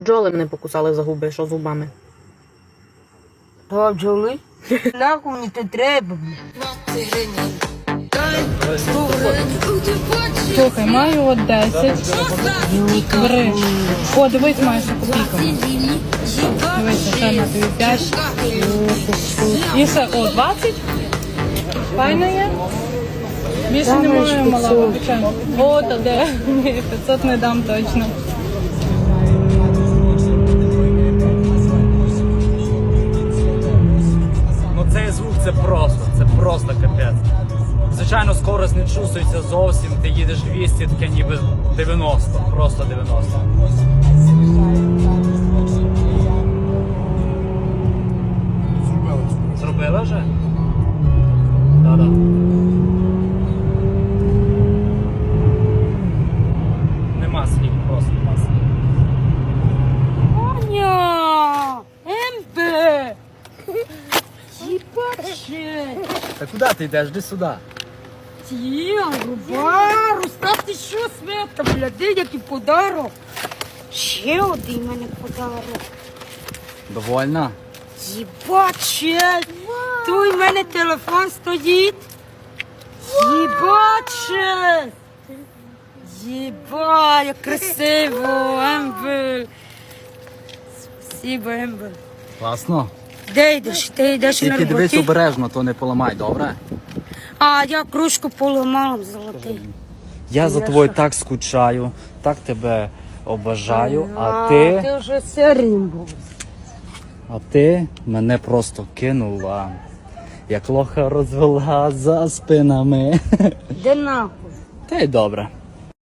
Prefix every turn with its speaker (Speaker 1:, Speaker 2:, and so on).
Speaker 1: Бджоли мене покусали за губи, що зубами.
Speaker 2: То бджоли? Нахуй мені це треба.
Speaker 3: Слухай, маю от 10. Бери. О, дивись, маєш копійку. Дивися, ще на тобі 5. І все, о, 20. Файна є? Більше немає, мала, вибачай. О, та де? Ні, 500 не дам точно.
Speaker 4: Ну цей звук це просто капець. Звичайно, скорость не чувствується зовсім, ти їдеш 200, таке ніби 90, просто 90. Зробили вже? Да-да. Нема слів, просто нема слів.
Speaker 2: Аня! Ембе! Єбаче!
Speaker 4: Та куди ти йдеш? Іди сюди.
Speaker 2: Рубару, став ти що, Света, бляди, який подарок. Ще один мене подарок.
Speaker 4: Довольна?
Speaker 2: Єбаче! Тут у мене телефон стоїть. Єбаче! Єба, як красиво, Ембель. Спасибо, Ембель.
Speaker 4: Класно.
Speaker 2: Де йдеш? Ти йдеш на
Speaker 4: Тільки дивись
Speaker 2: роботі?
Speaker 4: обережно, то не поламай, добре?
Speaker 2: А, я кружку поламала золотий.
Speaker 4: Я за тобою так скучаю, так тебе обожаю,
Speaker 2: Ти вже сернім був.
Speaker 4: А ти мене просто кинула, як лоха розвела за спинами.
Speaker 2: Де нахуй?
Speaker 4: Та й добре.